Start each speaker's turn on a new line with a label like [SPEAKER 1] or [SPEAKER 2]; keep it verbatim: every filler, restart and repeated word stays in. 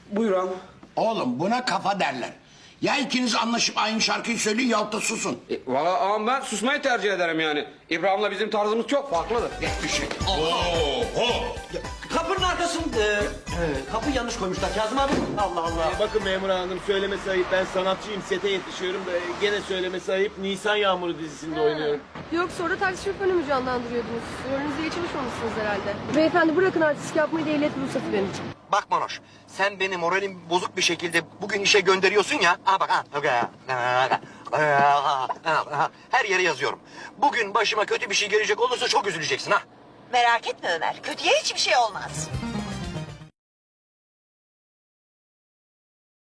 [SPEAKER 1] Buyur ağam.
[SPEAKER 2] Oğlum buna kafa derler. Ya ikiniz anlaşıp aynı şarkıyı söyleyin yahut da susun.
[SPEAKER 1] E, Valla ağam ben susmayı tercih ederim yani. İbrahim'le bizim tarzımız çok farklıdır.
[SPEAKER 2] Bir şey.
[SPEAKER 3] Kapının arkasında... E, e, kapıyı yanlış koymuşlar Kazım abi. Allah Allah.
[SPEAKER 4] Ee, bakın memur hanım, söylemesi ayıp, ben sanatçıyım, sete yetişiyorum da gene söylemesi ayıp, Nisan Yağmuru dizisinde oynuyorum.
[SPEAKER 5] Yoksa orada taksi şoförünü mü canlandırıyordunuz? Rolünüzü iyi çalışmamışsınız herhalde. Beyefendi bırakın artistlik yapmayı da ehliyet ruhsatı verin.
[SPEAKER 3] Bak Manoş, sen beni moralim bozuk bir şekilde bugün işe gönderiyorsun ya. Ha bak ha. Her yere yazıyorum. Bugün başıma kötü bir şey gelecek olursa çok üzüleceksin ha.
[SPEAKER 6] Merak etme Ömer. Kötüye hiçbir şey olmaz.